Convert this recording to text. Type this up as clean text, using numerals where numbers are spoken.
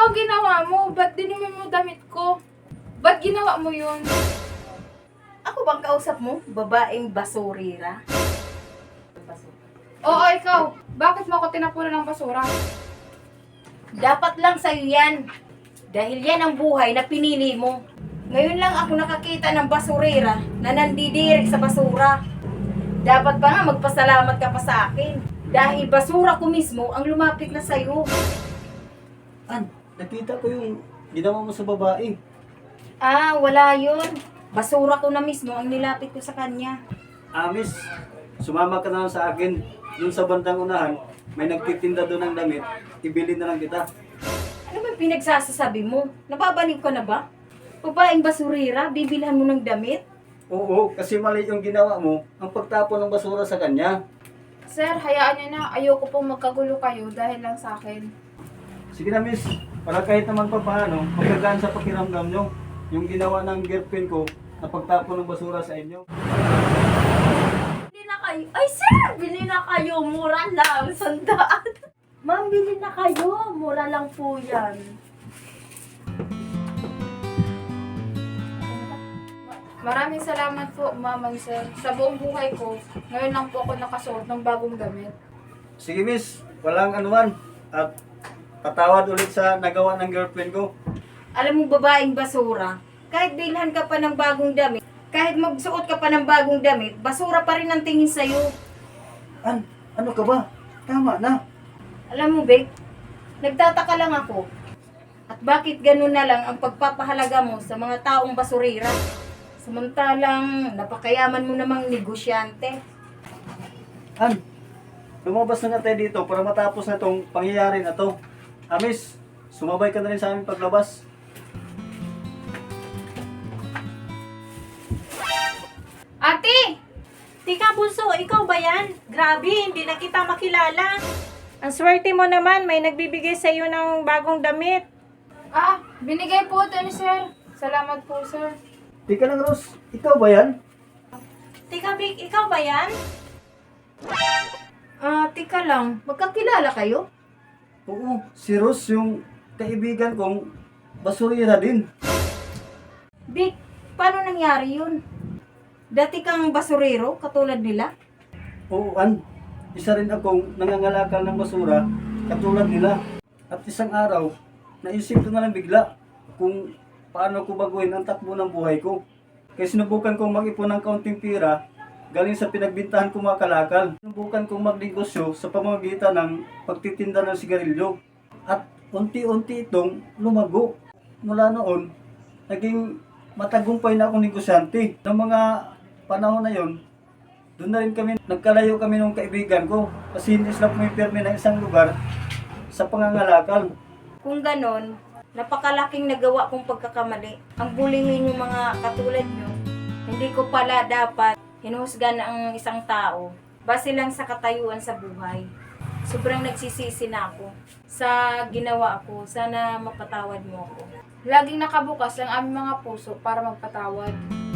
ba ginawa mo? Ba't dinumi mo damit ko? Ba't ginawa mo yun? Ako bang kausap mo? Babaeng basurira? Oo, ikaw. Bakit mo ako tinapunan ng basura? Dapat lang sa'yo yan. Dahil yan ang buhay na pinili mo. Ngayon lang ako nakakita ng basurira na nandidirik sa basura. Dapat pa nga magpasalamat ka pa sa akin. Dahil basura ko mismo ang lumapit na sa'yo. Nakita ko yung ginawa mo sa babae. Ah, wala yun. Basura ko na mismo ang nilapit ko sa kanya. Miss, sumama ka na lang sa akin. Doon sa bandang unahan, may nagtitinda doon ng damit. Ibili na lang kita. Ano ba yung pinagsasasabi mo? Nababalig ka na ba? Babaeng basurira, bibilhan mo ng damit? Oo, kasi mali yung ginawa mo, ang pagtapon ng basura sa kanya. Sir, hayaan niyo na. Ayoko pong magkagulo kayo dahil lang sa akin. Sige na, miss. Para kahit naman pa paano, magagaan sa pakiramdam nyo. Yung ginawa ng girlfriend ko na pagtapon ng basura sa inyo. Bili na kayo. Ay, sir! Bili na kayo. Mura lang. 100. Ma'am, bili na kayo. Mura lang po yan. Maraming salamat po, ma'am and sir. Sa buong buhay ko, ngayon lang po ako nakasuot ng bagong damit. Sige, miss. Walang anuman. At patawad ulit sa nagawa ng girlfriend ko. Alam mo, babaeng basura, kahit bilhan ka pa ng bagong damit, kahit magsuot ka pa ng bagong damit, basura pa rin ang tingin sa'yo. Ano ka ba? Tama na. Alam mo, Bek, nagtataka lang ako. At bakit ganun na lang ang pagpapahalaga mo sa mga taong basurira? Samantalang napakayaman mo namang negosyante. Lumabas na tayo dito para matapos na itong pangyayari na to. Miss, sumabay ka na rin sa aming paglabas. Ate! Tika, Bunso, ikaw ba yan? Grabe, hindi na kita makilala. Ang swerte mo naman, may nagbibigay sa iyo ng bagong damit. Binigay po ito ni sir. Salamat po, sir. Tika lang, Rose. Ikaw ba yan? Tika, Vic, ikaw ba yan? Tika lang, magkakilala kayo? Oo, si Rose yung kaibigan kong basurira din. Bik, paano nangyari yun? Dati kang basurero, katulad nila? Oo, isa rin akong nangangalakal ng basura, katulad nila. At isang araw, naisip ko na lang bigla kung paano ko baguhin ang takbo ng buhay ko. Kaya sinubukan kong mag-ipon ng kaunting pira galing sa pinagbintahan kong mga kalakal. Sinubukan kong magnegosyo sa pamamagitan ng pagtitinda ng sigarilyo. At unti-unti itong lumago. Mula noon, naging matagumpay na akong negosyante. Ng mga panahon na yon, doon na rin kami, nagkalayo kami ng kaibigan ko. Kasi hindi sila pumipirme ng isang lugar sa pangangalakal. Kung ganon, napakalaking nagawa kong pagkakamali. Ang bulihin yung mga katulad nyo, hindi ko pala dapat hinuhusgan ang isang tao base lang sa katayuan sa buhay. Sobrang nagsisisi na ako sa ginawa ko. Sana mapatawad mo ako. Laging nakabukas ang aming mga puso para magpatawad.